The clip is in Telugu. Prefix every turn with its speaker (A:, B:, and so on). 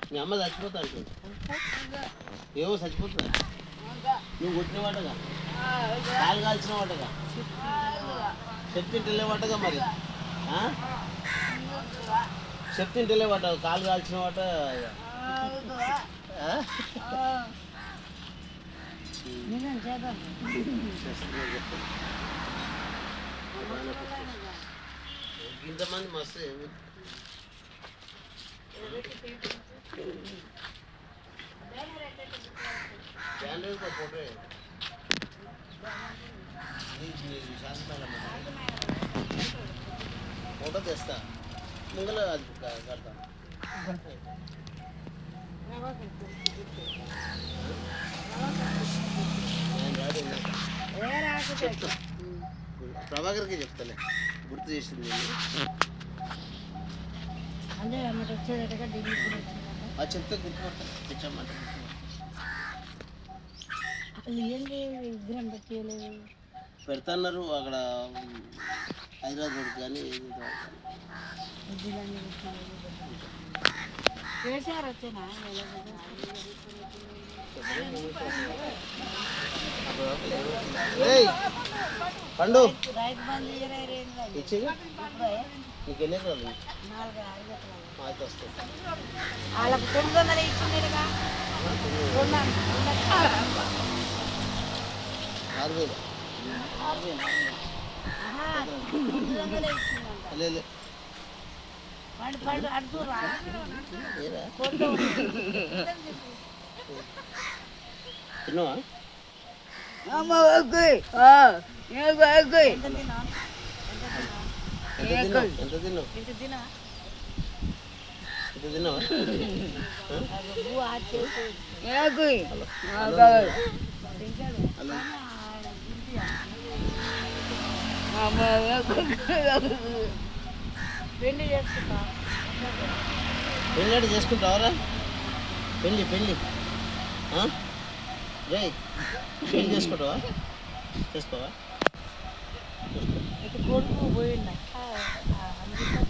A: మీ అమ్మ చచ్చిపోతా అంటుంది. ఏమో చచ్చిపోతుందా? నువ్వు కొట్టిన వాటగా, కాలు కాల్చిన వాటగా, చెప్తింటలే వాటగా మరి. చెప్తింటలే వాట, కాలు కాల్చిన వాట. ఇంతమంది మస్తు ఫోటో ఫోటో తెస్తా ముంగల అది కడతా. చెప్తా, ప్రభాకర్కి చెప్తాలే, గుర్తు చేసింది. చెప్తే గుర్తుపడతా, తెచ్చామంటే పెడతాన్నారు అక్కడ హైదరాబాద్ కానీ పండు నీకు ఎన్ని ఎకరాలు? అయితే వస్తాయి.
B: వాళ్ళకు 900 ఇచ్చిండేగా,
A: 6,000 లేదు. తిన్నావా? ఎంత తిన్నావు? తిన్నావా?
B: పెళ్లి
A: చేసుకుంటావరా? పెళ్ళి పెళ్ళి రే, పెళ్ళి చేసుకుంటావా? చేసుకోవా?
B: కొడుకు పోయిండ